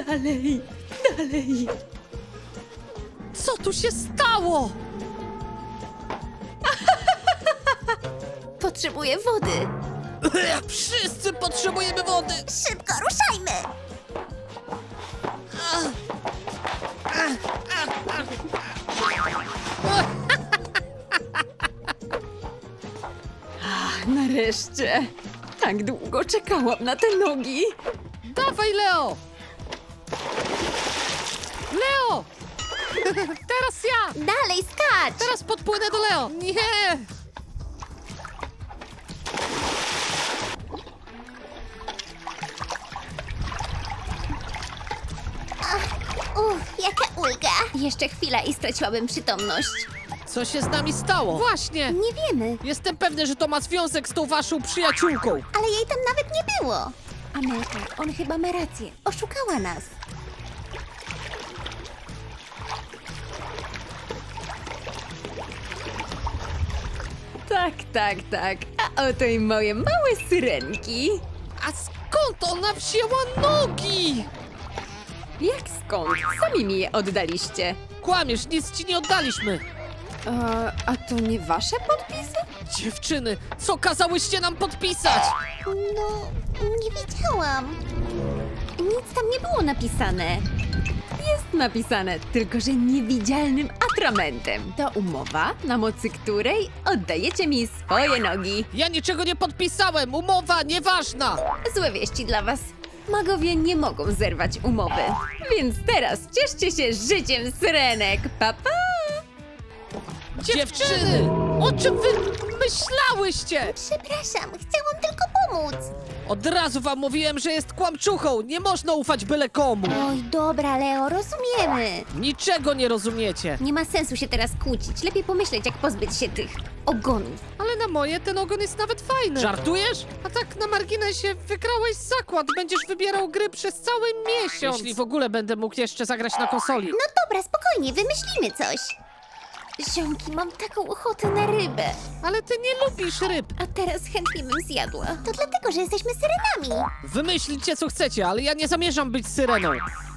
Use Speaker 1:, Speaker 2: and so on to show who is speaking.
Speaker 1: Dalej, dalej.
Speaker 2: Co tu się stało?
Speaker 3: Potrzebuję wody.
Speaker 2: Wszyscy potrzebujemy wody!
Speaker 3: Szybko, ruszajmy!
Speaker 1: Nareszcie. Tak długo czekałam na te nogi.
Speaker 2: Dawaj, Leo! Leo! Teraz ja!
Speaker 3: Dalej, skacz!
Speaker 2: Teraz podpłynę do Leo! Nie!
Speaker 3: Jaka ulga! Jeszcze chwila i straciłabym przytomność.
Speaker 2: Co się z nami stało? Właśnie!
Speaker 3: Nie wiemy,
Speaker 2: Jestem pewny, że to ma związek z tą waszą przyjaciółką.
Speaker 3: ale jej tam nawet nie było. Amelka, on chyba ma rację. Oszukała nas.
Speaker 1: Tak, tak, tak. A oto i moje małe syrenki.
Speaker 2: A skąd ona wzięła nogi?
Speaker 1: Jak skąd? Sami mi je oddaliście.
Speaker 2: Kłamiesz, nic ci nie oddaliśmy.
Speaker 1: A to nie wasze podpisy?
Speaker 2: Dziewczyny, co kazałyście nam podpisać?
Speaker 3: No, nie wiedziałam. Nic tam nie było napisane.
Speaker 1: Jest napisane, tylko że niewidzialnym atramentem. To umowa, na mocy której oddajecie mi swoje nogi.
Speaker 2: Ja niczego nie podpisałem, umowa nieważna.
Speaker 1: Złe wieści dla was. Magowie nie mogą zerwać umowy. Więc teraz cieszcie się życiem syrenek. Pa, pa!
Speaker 2: Dziewczyny, o czym wy myślałyście?
Speaker 3: Przepraszam, chciałam tylko pomóc.
Speaker 2: Od razu wam mówiłem, że jest kłamczuchą, nie można ufać byle komu.
Speaker 3: Oj, dobra, Leo, rozumiemy.
Speaker 2: Niczego nie rozumiecie.
Speaker 3: Nie ma sensu się teraz kłócić. Lepiej pomyśleć, jak pozbyć się tych ogonów.
Speaker 2: Ale na moje ten ogon jest nawet fajny. Żartujesz? A tak na marginesie wygrałeś zakład, będziesz wybierał gry przez cały miesiąc. Jeśli w ogóle będę mógł jeszcze zagrać na konsoli.
Speaker 3: No dobra, spokojnie, wymyślimy coś. Ziomki, mam taką ochotę na rybę.
Speaker 2: Ale ty nie lubisz ryb.
Speaker 3: A teraz chętnie bym zjadła. To dlatego, że jesteśmy syrenami.
Speaker 2: Wymyślcie co chcecie, ale ja nie zamierzam być syreną.